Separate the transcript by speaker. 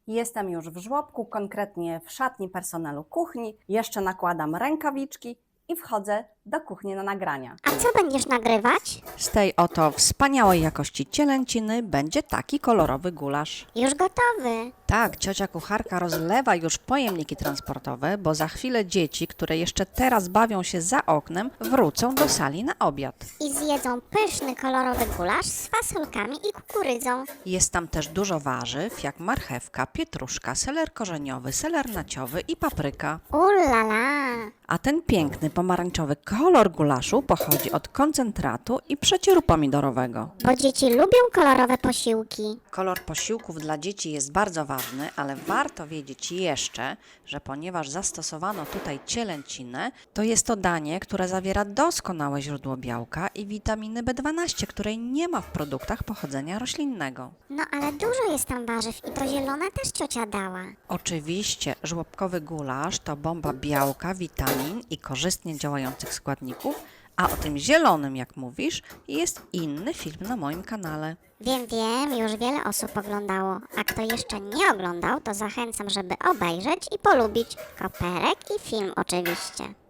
Speaker 1: Jestem już w żłobku, konkretnie w szatni personelu kuchni. Jeszcze nakładam rękawiczki i wchodzę do kuchni na nagrania.
Speaker 2: A co będziesz nagrywać?
Speaker 3: Z tej oto wspaniałej jakości cielęciny będzie taki kolorowy gulasz.
Speaker 2: Już gotowy.
Speaker 3: Tak, ciocia kucharka rozlewa już pojemniki transportowe, bo za chwilę dzieci, które jeszcze teraz bawią się za oknem, wrócą do sali na obiad.
Speaker 2: I zjedzą pyszny kolorowy gulasz z fasolkami i kukurydzą.
Speaker 3: Jest tam też dużo warzyw, jak marchewka, pietruszka, seler korzeniowy, seler naciowy i papryka.
Speaker 2: Ulala!
Speaker 3: A ten piękny pomarańczowy kolor gulaszu pochodzi od koncentratu i przecieru pomidorowego.
Speaker 2: Bo dzieci lubią kolorowe posiłki.
Speaker 3: Kolor posiłków dla dzieci jest bardzo ważny, ale warto wiedzieć jeszcze, że ponieważ zastosowano tutaj cielęcinę, to jest to danie, które zawiera doskonałe źródło białka i witaminy B12, której nie ma w produktach pochodzenia roślinnego.
Speaker 2: No ale dużo jest tam warzyw i to zielone też ciocia dała.
Speaker 3: Oczywiście żłobkowy gulasz to bomba białka, witamin i korzystnie działających składników, a o tym zielonym, jak mówisz, jest inny film na moim kanale.
Speaker 2: Wiem, już wiele osób oglądało, a kto jeszcze nie oglądał, to zachęcam, żeby obejrzeć i polubić koperek i film oczywiście.